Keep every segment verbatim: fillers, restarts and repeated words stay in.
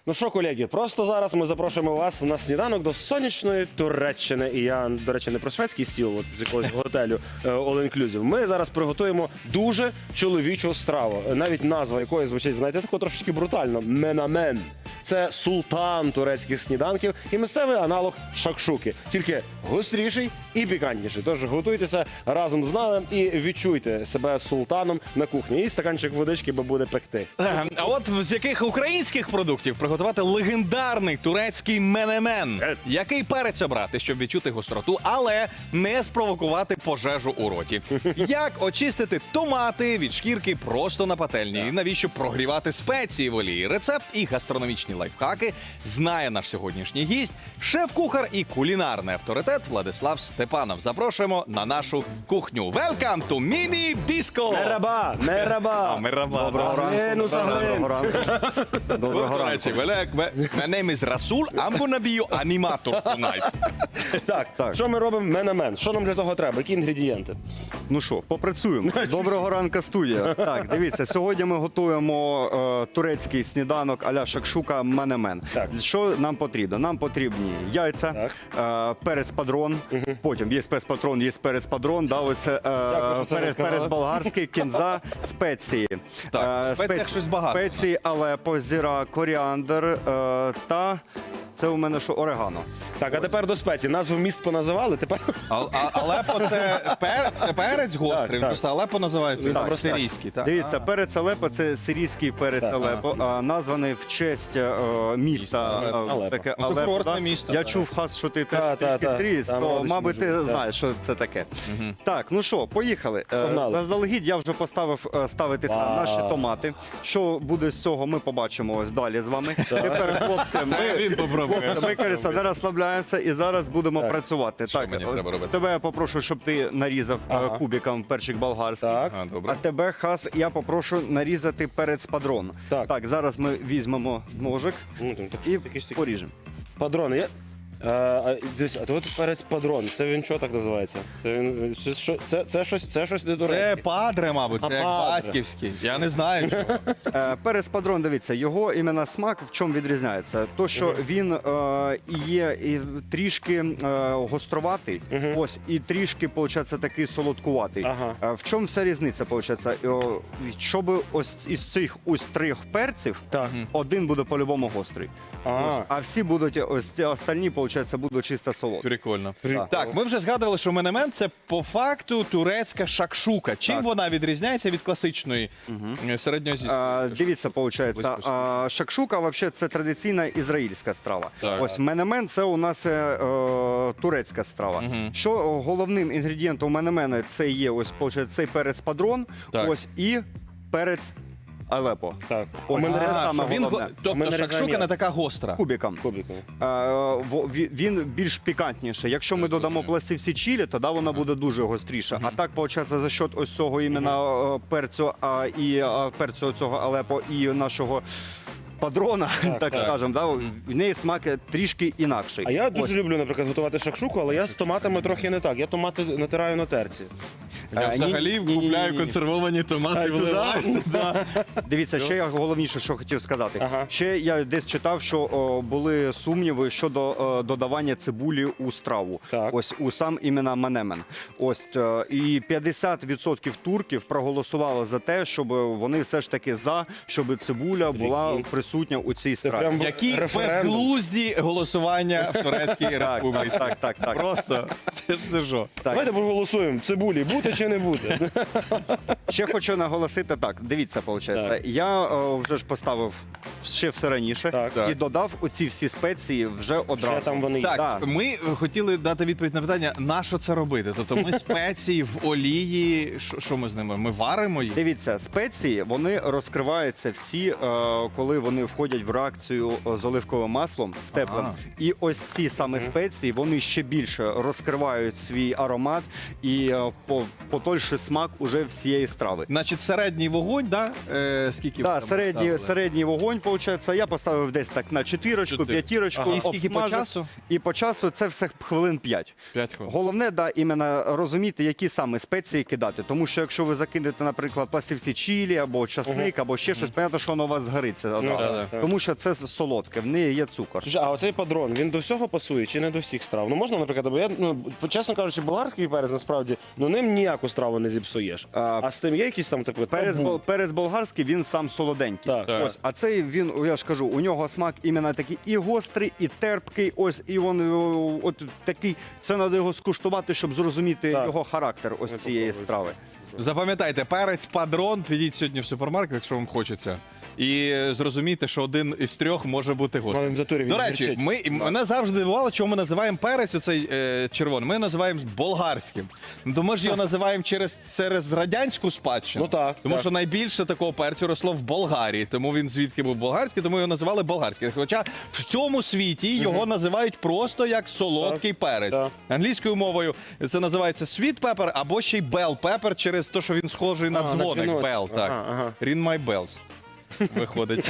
Ну що, колеги, просто зараз ми запрошуємо вас на сніданок до сонячної Туреччини. І я, до речі, не про шведський стіл от, з якогось готелю е, All Inclusive. Ми зараз приготуємо дуже чоловічу страву, навіть назва якої звучить, знаєте, тако трошечки брутально. Менамен. Це султан турецьких сніданків і місцевий аналог шакшуки. Тільки гостріший і пікантніший. Тож готуйтеся разом з нами і відчуйте себе султаном на кухні. І стаканчик водички, бо буде пекти. А от з яких українських продуктів приготувати легендарний турецький менемен? Який перець обрати, щоб відчути гостроту, але не спровокувати пожежу у роті? Як очистити томати від шкірки просто на пательні? І навіщо прогрівати спеції в олії? Рецепт і гастрономічні лайфхаки знає наш сьогоднішній гість, шеф-кухар і кулінарний авторитет Владислав Степанов. Запрошуємо на нашу кухню. Welcome to Mini Disco! Мераба! Мераба! А, мераба. Доброго ранку! Доброго ранку. Доброго ранку. My name is Rasul, I'm gonna be your animator tonight. Так, Так. що ми робимо? Менамен. Що нам для того треба? Які інгредієнти? Ну що, попрацюємо. Доброго ранку, студія. Так, дивіться, сьогодні ми готуємо е, турецький сніданок а-ля шакшука менемен. Так. Що нам потрібно? Нам потрібні яйця, е, перець падрон, потім є перець патрон, є перець падрон, да, ось, е, що це перець, розказали. перець болгарський, кінза, спеції. Так, Е, в спеціях щось багато. Спеції, алепо, зіра, коріандр е, та це у мене що, орегано. Так, а тепер до спеції. Назви міст поназивали, тепер... А, а, Алепо це, пер, це перець гострий, Так, так. просто Алепо називається Так, просто так. сирійський. Так? Дивіться, перець Алепо – це сирійський перець Так. Алепо, а, названий в честь е, міста Міста е, Алепо. таке Ну, це Алепо. курортне да? місто, Я так. чув, Хас, що ти Та, теж та, трішки та. сирієць, Там то, родичі мабуть, ти можуть бути, знаєш, що це таке. Так, ну що, поїхали. Е, Погнали. Заздалегідь я вже поставив е, ставитися Вау. наші томати. Що буде з цього, ми побачимо ось далі з вами. Тепер, хлопці, Це ми... він попробує. Ми, Каріса, не розслабляємося і зараз будемо Так. працювати. Що так, мені ось треба робити? тебе я попрошу, щоб ти нарізав е, Ага. кубиком перчик болгарський. Так. А, А добре. тебе, Хас, я попрошу нарізати перець падрон. Так. зараз ми візьмемо ножик Ну, там, так, і якісь такі- поріжемо. Падрон, є? А, а, дивись, а то от перець падрон. Це він що так називається? Це він це, що, це, це щось, це щось не Це турецьке. падре, мабуть, А, це як падре. батьківський. Я не знаю чого. Е, перець падрон, дивіться, його іменно смак в чому відрізняється? То, що він е, і є і трішки е, гостроватий, ось, і трішки, виходить, такий солодкуватий. Ага. Е, в чому вся різниця, виходить? Е, щоб ось із цих ось трьох перців, Так. один буде по-любому гострий. А. Ось, а всі будуть, ось ці остальні, виходить, будуть чисто солодкі. Прикольно. Прикольно. Так, ми вже згадували, що менемен це по факту турецька шакшука. Чим Так. вона відрізняється від класичної угу. середньоазійської? А, дивіться, виходить, Близько а, шакшука вообще це традиційна ізраїльська страва. Так. Ось менемен це у нас е, е, турецька страва. Мгм. Що головним інгредієнтом менемена це є ось виходить, цей перець падрон, Так. ось і перець Алепо. Так. Ось мене це А, саме що він, головне. го- У тобто мене шакшука різання. не така гостра. Кубиком. Кубиком. Е, во- ві- він більш пікантніший. Якщо ми додамо пластивці чилі, тоді вона буде дуже гостріша. А так, виходить, за счет ось цього іменно е, перцю а, і а, перцю цього Алепо і нашого падрона, так, так. скажемо, да, в неї смак трішки інакший. А я Ось. дуже люблю, наприклад, готувати шакшуку, але я з томатами трохи не так. Я томати натираю на терці. Я Е, ні- взагалі ні- ні- купляю ні- ні. консервовані томати А, і вливаю туди? туди. Дивіться, ще я головніше, що хотів сказати. Ага. Ще я десь читав, що о, були сумніви щодо о, додавання цибулі у страву. Так. Ось у сам іменно менемен. Ось е, і п'ятдесят відсотків турків проголосувало за те, щоб вони все ж таки за, щоб цибуля була Прикинь. присутня у цій страві. прям Які Референдум. безглузді голосування в турецькій республіці. Так, так, так. Просто це ж це що? Так. Давайте проголосуємо, цибулі бути чи не бути. Ще хочу наголосити так. Дивіться, виходить, Так. я е, вже ж поставив ще все раніше Так. і Так. додав оці всі спеції вже одразу. Ще там вони є. Так, Да. ми хотіли дати відповідь на питання, на що це робити? Тобто ми спеції в олії, що, що ми з ними? Ми варимо їх? Дивіться, спеції вони розкриваються всі, е, коли вони входять в реакцію з оливковим маслом з теплим. Ага. І ось ці саме спеції вони ще більше розкривають свій аромат і е, по- потольший смак уже всієї страви. Значить, середній вогонь, да? Е, скільки ви Да, там середній, ставили? середній вогонь, виходить, я поставив десь так на четвірочку, Чотири. п'ятірочку, Ага. І скільки по обсмажив. часу? І по часу це все хвилин п'ять. П'ять хвилин. Головне, да, іменно розуміти, які саме спеції кидати. Тому що якщо ви закинете, наприклад, пластівці чилі або часник, або ще щось, понятно, що воно у вас згориться. одразу. Ну, да, да. Тому що це солодке, в неї є цукор. Слушай, а оцей падрон, він до всього пасує чи не до всіх страв? Ну можна, наприклад, бо я, ну, чесно кажучи, болгарський перець насправді, ну ним ніяку страву не зіпсуєш. А, А з тим є якісь там таке Перець, бол- перець болгарський, він сам солоденький. Так. Так. Ось, а цей він, я ж кажу, у нього смак іменно такий і гострий, і терпкий. Ось і він о, от такий. Це треба його скуштувати, щоб зрозуміти Так. його характер ось Я цієї попробую. страви. Запам'ятайте, перець падрон, підіть сьогодні в супермаркет, якщо вам хочеться. І зрозумійте, що один із трьох може бути Ну, гострий. він в натурі, він До речі, гірчить. ми, мене завжди дивувало, чому ми називаємо перець оцей е, червоний. Ми називаємо болгарським. Ну, то ми ж його називаємо через, через радянську спадщину. Ну так, Тому так. що найбільше такого перцю росло в Болгарії. Тому він звідки був болгарський, тому його називали болгарським. Хоча в цьому світі його називають просто як солодкий перець. так. Англійською мовою це називається sweet pepper або ще й bell pepper через те, що він схожий на А, на дзвоник. дзвіночок. Bell, так. Ага, ага. Ring my bells. Виходить.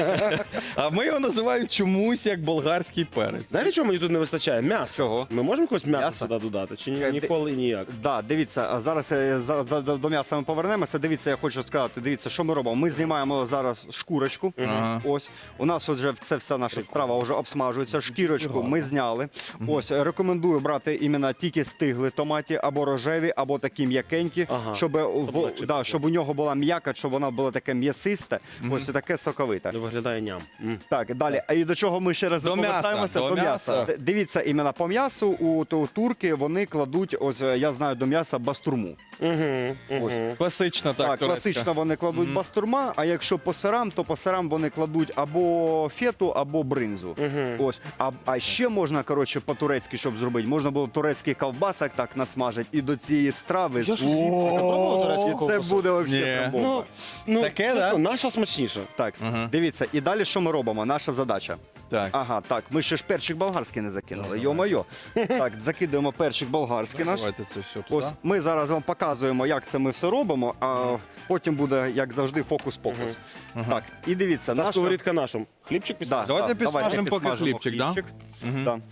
А ми його називаємо чомусь як болгарський перець. Знаєте, чого мені тут не вистачає? М'ясо. Чого? Ми можемо якось м'ясо М'ясо? сюди додати? Чи ні- Е, ти- ніколи і ніяк? Да, дивіться, а зараз е, за, за, за- до м'яса ми повернемося. Дивіться, я хочу сказати, дивіться, що ми робимо. Ми знімаємо зараз шкурочку. Ага. Ось у нас вже це вся наша страва вже обсмажується. Шкірочку ми зняли. Ось е, рекомендую брати іменно тільки стигли томаті або рожеві, або такі м'якенькі, Ага. щоб, в, Облегчити. да, щоб у нього була м'яка, щоб вона була таке м'ясисте, ось і таке соковите. Виглядає ням. М. Так, далі. А і до чого ми ще раз До м'яса, повертаємося? до До м'яса. м'яса. Д- Дивіться, іменно по м'ясу у, у турки вони кладуть, ось е, я знаю, до м'яса бастурму. Мгм, Ось. мгм. Класично, так, Так, турецька. класично вони кладуть бастурма, а якщо по сирам, то по сирам вони кладуть або фету, або бринзу. Ось. А, а ще можна, коротше, по-турецьки, щоб зробити, можна було турецький ковбасок так насмажити і до цієї страви. Я ж пробував турецьку О, це ковбасу? буде Ні. взагалі бомба. Ну, ну, Таке, це да? що, наша смачніша. Так, Мгм. дивіться, і далі що ми робимо? Наша задача. Так. Ага, так, ми ще ж перчик болгарський не закинули. Йо-моє. Так, закидуємо перчик болгарський наш. Давайте це все туди. Ось ми зараз вам показуємо, як це ми все робимо, а потім буде, як завжди, фокус-покус. Так, і дивіться, Та наша... сковорідка нашому. Хлібчик Да, підставити? Давайте да, підсмажемо поки підсмажемо хлібчик, да? Мгм. Да.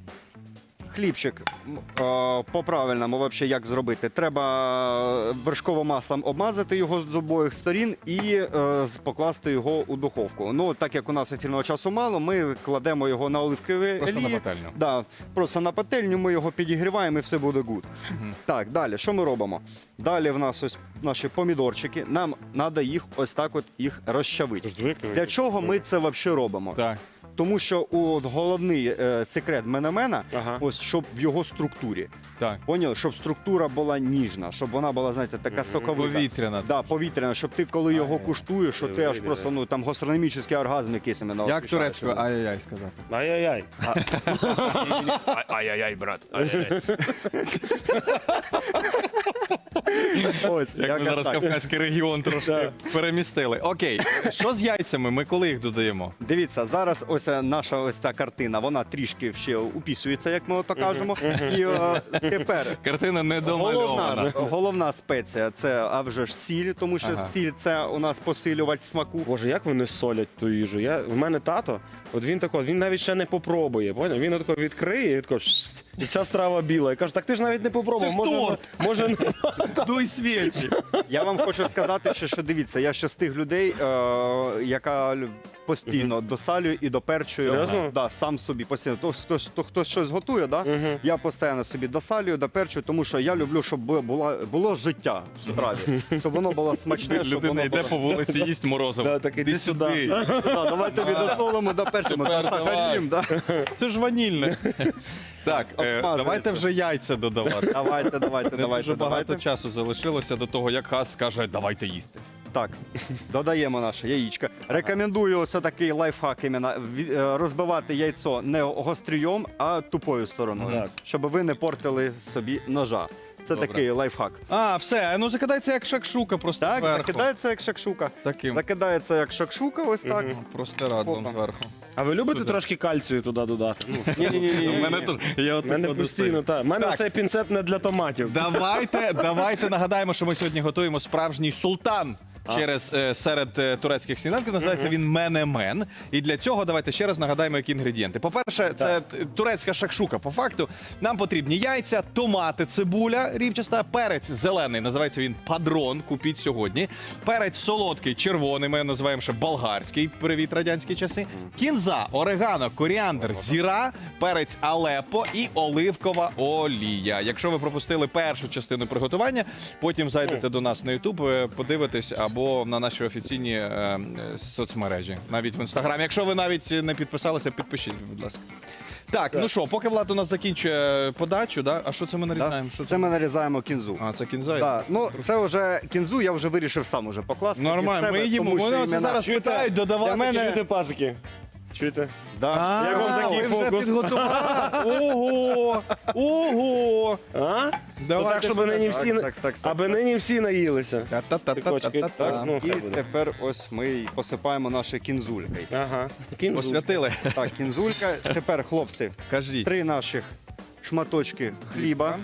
Хлібчик м, е, по-правильному, вообще, як зробити? Треба вершковим маслом обмазати його з обох сторін і е, з- покласти його у духовку. Ну, так як у нас ефірного часу мало, ми кладемо його на оливкові Просто на олії. пательню. Да, просто на пательню ми його підігріваємо і все буде гуд. Так, далі, що ми робимо? Далі в нас ось наші помідорчики. Нам треба їх ось так от їх розчавити. Тож дві кілька. Для чого ми це взагалі робимо? Так. Тому що у головний е, секрет менемена, Ага. ось щоб в його структурі. Так. Поняли? Щоб структура була ніжна, щоб вона була, знаєте, така соковита. Повітряна. Да, повітряна, щоб ти, коли його куштуєш, що ти аж диви, просто ну там гастрономічний оргазм якийсь іменно. Як відчуваєш. турецькою ай-яй-яй сказати? Ай-яй-яй. Ай-яй-яй, брат. Ось, Як ми якось зараз так. Кавказький регіон трошки перемістили. Окей, що з яйцями? Ми коли їх додаємо? Дивіться, зараз ось е, наша ось ця картина, вона трішки ще упісується, як ми ото кажемо. І е, тепер Картина не домальована. головна, головна спеція це а вже ж сіль, тому що Ага. сіль це у нас посилювач смаку. Боже, як вони солять ту їжу. Я, в мене тато, от він тако, він навіть ще не попробує. Поняв? Він отако відкриє і тако, шст, і вся страва біла. Я кажу, так ти ж навіть не попробував. Це ж може, торт. може, Дуй свічі. Я вам хочу сказати, що, що дивіться, я ще з тих людей, е, яка лю- постійно досалює і доперчує. Серйозно? Да, сам собі постійно. То, хто, хто, хто щось готує, да? я постійно собі досалюю, доперчую, тому що я люблю, щоб була, було життя в страві, щоб воно було смачне, щоб Людина воно йде було... по вулиці, їсть морозиво. Да, так іди сюди. Да, давай тобі досолимо, доперчимо, Тепер досахарім. Да? Це ж ванільне. Так, е, Обсмажується. давайте вже яйця додавати. Давайте, давайте, Не давайте, дуже багато давайте. часу залишилося до того, як Хас скаже, давайте їсти. Так, додаємо наше яєчко. Рекомендую ось такий лайфхак іменно ві- е, розбивати яйцо не гострієм, а тупою стороною, Так. щоб ви не портили собі ножа. Це Добре. такий лайфхак. А, все, ну закидається як шакшука просто Так, зверху. закидається як шакшука. Таким Закидається як шакшука, ось так. простирадлом Опа. зверху. А ви любите Сюди. трошки кальцію туди додати? Ну, Ні-ні-ні. У мене тут я в от мене тут постійно, так. У мене Так. цей пінцет не для томатів. Давайте, давайте нагадаємо, що ми сьогодні готуємо справжній султан. Через е, серед е, турецьких сніданків називається він менемен. І для цього давайте ще раз нагадаємо, які інгредієнти. По-перше, це т- турецька шакшука. По факту нам потрібні яйця, томати, цибуля рівчаста, перець зелений, називається він падрон. Купіть сьогодні. Перець солодкий, червоний. Ми його називаємо ще болгарський. Привіт, радянські часи. Кінза, орегано, коріандр, зіра, перець алепо і оливкова олія. Якщо ви пропустили першу частину приготування, потім зайдете до нас на Ютуб, е, подивитесь або на наші офіційні е, е, соцмережі, навіть в інстаграмі. Якщо ви навіть не підписалися, підпишіть, будь ласка. Так, ну що, поки Влад у нас закінчує подачу, да? А що це ми нарізаємо? Що Це ми нарізаємо кінзу. А, це кінза? Да. Ну, це вже кінзу, я вже вирішив сам уже покласти. Нормально, від себе, ми їмо. тому що Вони оце іменно- зараз питають додавати. Для мене- Чуєте, пасики? Чуєте? Да. А, Як вам такий ви вже фокус? підготували? Ого! Ого! А? Давайте Ну так, щоб нині так, всі, так, так, так. аби нині всі наїлися. Та-та-та-та-та-та. Так, ну, І хай буде. тепер ось ми й посипаємо наші кінзулькою. Ага. Кінзу. Посвятили. Так, кінзулька. Тепер, хлопці, Кажіть. три наших шматочки хліба.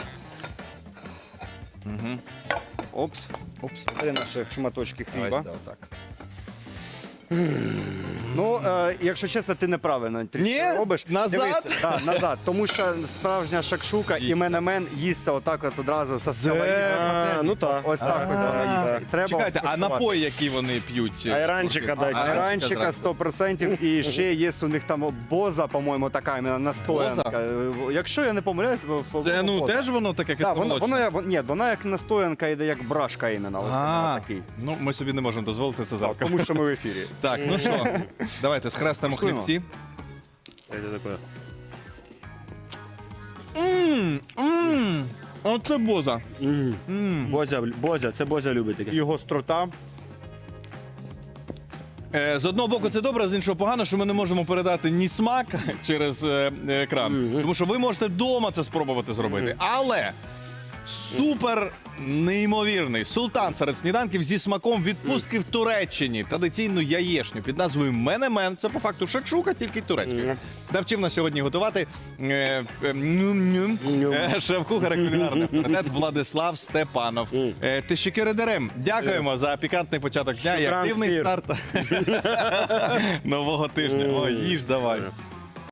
Мгм. Опс. Упс. Три наших шматочки Давай хліба. сюди, отак. Ну, е, якщо чесно, ти неправильно трішки Ні? робиш. Назад? Дивись, да, назад. Тому що справжня шакшука і Їсти. менемен їсться отак от одразу со сковорідки. А, ну так. Ось так ось вона їсти. Треба Чекайте, а скуштувати. напої, які вони п'ють? Айранчика дайте. Айранчика зразу. сто відсотків і ще є у них там боза, по-моєму, така іменно настоянка. Якщо я не помиляюсь, бо- Це ну боза. теж воно таке Да, воно, кисломолочне? воно, як- ні, вона як настоянка йде, як брашка іменно. Ось А, вона такий. ну ми собі не можемо дозволити це завтра. Тому що ми в ефірі. Так, ну що, давайте схрестимо Куштуємо. хлібці. Це таке. Ммм, ммм, оце боза. М. Ммм. Бозя, Бозя, це Бозя любить таке. І гострота. Е, З одного боку, це добре, з іншого погано, що ми не можемо передати ні смак через е, екран. Мгм. Тому що ви можете вдома це спробувати зробити. Але супер неймовірний султан серед сніданків зі смаком відпустки в Туреччині. Традиційну яєшню під назвою менемен. Це по факту шакшука, тільки турецькою. Мгм. Навчив нас сьогодні готувати е, е, нюм-нюм, Нюм. е, шеф-кухар і кулінарний авторитет Владислав Степанов. Мгм. Е, Тищикеридерем. Дякуємо за пікантний початок дня і Шукран активний Кір. старт нового тижня. О, їж давай.